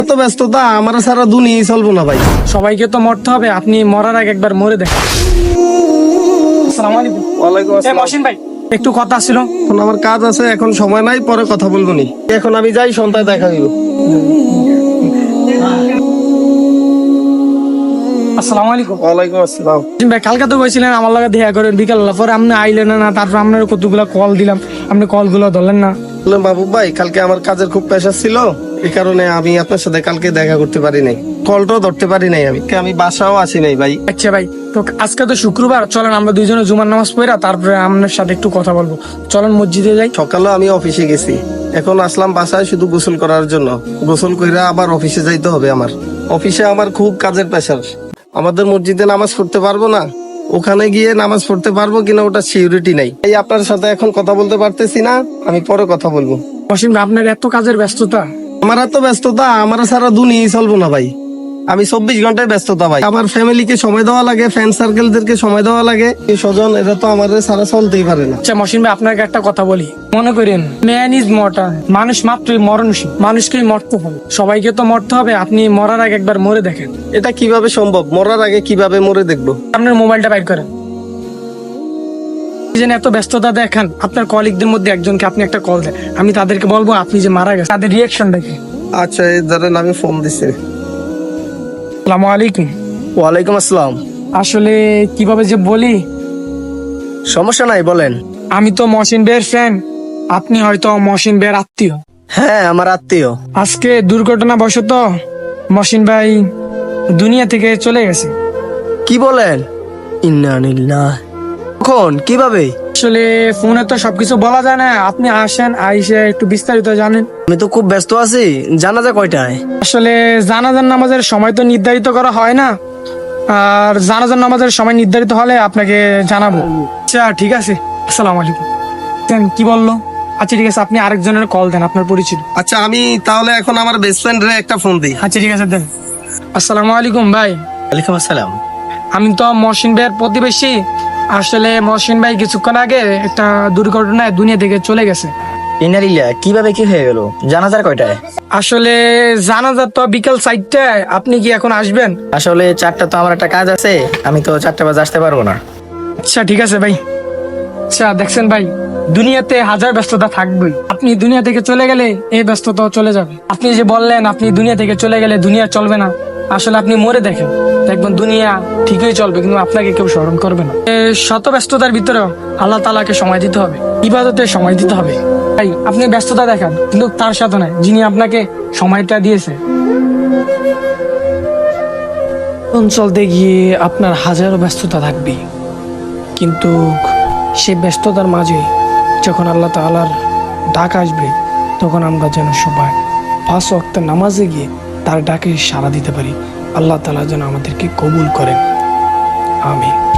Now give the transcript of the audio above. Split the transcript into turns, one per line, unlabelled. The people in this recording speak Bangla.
এত ব্যস্ততা আমার সারা দুনিয়ায় চলবো না ভাই।
সবাইকে তো মরতে হবে, আপনি মরার আগে একবার মরে দেখেন। আসসালামু আলাইকুম।
ওয়ালাইকুম আসসালাম।
মহসিন ভাই, একটু কথা ছিল।
এখন আমার কাজ আছে, এখন সময় নাই, পরে কথা বলবো নি। এখন আমি যাই, সন্ধ্যায় দেখা দিব।
আসসালামু আলাইকুম।
ওয়ালাইকুম আসসালাম।
মহসিন ভাই, কালকে তো কইছিলেন আমার লগে দেখা করেন বিকাল, পরে আপনি আইলেন না। তারপর আপনার কতগুলো কল দিলাম, আপনি কলগুলো ধরলেন না।
বললাম বাবু ভাই, কালকে আমার কাজের খুব প্রেশার ছিল, এই কারণে আমি আপনার সাথে কালকে দেখা করতে পারি নাই, কলটাও ধরতে পারি নাই। আমি বাসাও আসি নাই ভাই।
আচ্ছা ভাই, তো আজকে তো শুক্রবার, চলেন আমরা দুইজনে জুমার নামাজ পড়া তারপরে আপনার সাথে একটু কথা বলবো। চলেন মসজিদে যাই।
সকালে আমি অফিসে গেছি, এখন আসলাম বাসায় শুধু গোসল করার জন্য। গোসল কইরা আবার অফিসে যাইতে হবে। আমার অফিসে আমার খুব কাজের প্রেশার। আমাদের মসজিদে নামাজ পড়তে পারবো না, ওখানে গিয়ে নামাজ পড়তে পারবো কিনা ওটা সিউরিটি নাই। এই আপনার সাথে এখন কথা বলতে পারতেছি না, আমি পরে কথা বলবো।
মহসিন ভাই, আপনার এত কাজের ব্যস্ততা।
আমার এত ব্যস্ততা, আমার সারা দুনিয়ায় চলবো না ভাই। আমি 24 ঘন্টায় ব্যস্ততা ভাই। আমার ফ্যামিলিকে সময় দেওয়া লাগে, ফ্রেন্ড সার্কেলদেরকে সময় দেওয়া লাগে, এই স্বজন, এরা তো আমার সারা চলতেই পারে না।
আচ্ছা মহসিন ভাই, আপনাকে একটা কথা বলি। মনে করেন ম্যান ইজ মর্টাল, মানুষ মাত্রই মরণশীল, মানুষকেই মরতে হবে, সবাইকে তো মরতে হবে। আপনি মরার আগে একবার মরে দেখেন।
এটা কিভাবে সম্ভব? মরার আগে কিভাবে মরে দেখবো?
আপনার মোবাইলটা বাইর করেন। এই যে এত ব্যস্ততা দেখান, আপনার কলিগদের মধ্যে একজনকে আপনি একটা কল দেন, আমি তাদেরকে বলবো আপনি যে মারা গেছেন, তাদের রিয়াকশনটা কি।
আচ্ছা, এই ধরেন আমি ফোন দিছি।
আসসালামু আলাইকুম।
ওয়ালাইকুম আসসালাম।
আসলে কিভাবে যে বলি,
সমস্যা নাই, বলেন।
আমি তো মহসিন ভাইয়ের ফ্রেন্ড, আপনি হয়তো মহসিন ভাইয়ের আত্মীয়।
হ্যাঁ, আমার আত্মীয়।
আজকে দুর্ঘটনাবশত মহসিন ভাই দুনিয়া থেকে চলে গেছে।
কি বলেন? ইন্না লিল্লাহ। কখন, কিভাবে?
আসলে ফোনে তো সবকিছু বলা যায় না, আপনি আসেন, আইসে একটু বিস্তারিত জানেন।
আমি তো খুব ব্যস্ত আছি। জানাজা কয়টায়?
আসলে জানাজার নামাজের সময় তো নির্ধারিত করা হয় না, আর জানাজার নামাজের সময় নির্ধারিত হলে আপনাকে জানাবো। আচ্ছা ঠিক আছে, আসসালামু আলাইকুম। দেন, কি বললো? আচ্ছা ঠিক আছে, আপনি আরেকজনের কল দেন, আপনার পরিচিত।
আচ্ছা, আমি তাহলে এখন আমার বেস্ট ফ্রেন্ড রে একটা ফোন দিই।
আচ্ছা ঠিক আছে, দেন। আসসালামু আলাইকুম ভাই।
ওয়ালাইকুম আসসালাম।
আমি তো মহসিন ভাইয়ের প্রতিবেশী। আসলে মহসিন ভাই কিছুক্ষণ আগে একটা দুর্ঘটনায় দুনিয়া থেকে চলে গেছে।
ইনারিল্লা, কিভাবে কি হয়ে গেল? জানাজার কয়টায়?
আসলে জানাজা তো বিকেল 4টায়, আপনি কি এখন আসবেন?
আসলে 4টা তো আমার একটা কাজ আছে, আমি তো 4টা বাজে আসতে পারবো না।
আচ্ছা ঠিক আছে ভাই। আচ্ছা দেখছেন ভাই, দুনিয়াতে হাজার ব্যস্ততা থাকবেই, আপনি দুনিয়া থেকে চলে গেলে এই ব্যস্ততা চলে যাবে। আপনি যে বললেন আপনি দুনিয়া থেকে চলে গেলে দুনিয়া চলবে না, আসলে আপনি মরে দেখেন, দেখবেন দুনিয়া ঠিকই চলবে, কিন্তু আপনাকে কেউ স্মরণ করবে না। শত ব্যস্ততার ভিতরেও আল্লাহ তাআলাকে সময় দিতে হবে, ইবাদতে সময় দিতে হবে। ভাই আপনি ব্যস্ততা দেখান, কিন্তু তার সাথে নয় যিনি আপনাকে সময়টা দিয়েছে। চলতে গিয়ে আপনার হাজারো ব্যস্ততা থাকবে, কিন্তু সে ব্যস্ততার মাঝে যখন আল্লাহ তাআলার ডাক আসবে, তখন আমরা যেন সবাই 5 ওয়াক্তের নামাজে গিয়ে তার ডাকে সাড়া দিতে পারি। আল্লাহ তাআলা যেন আমাদেরকে কবুল করেন। আমিন।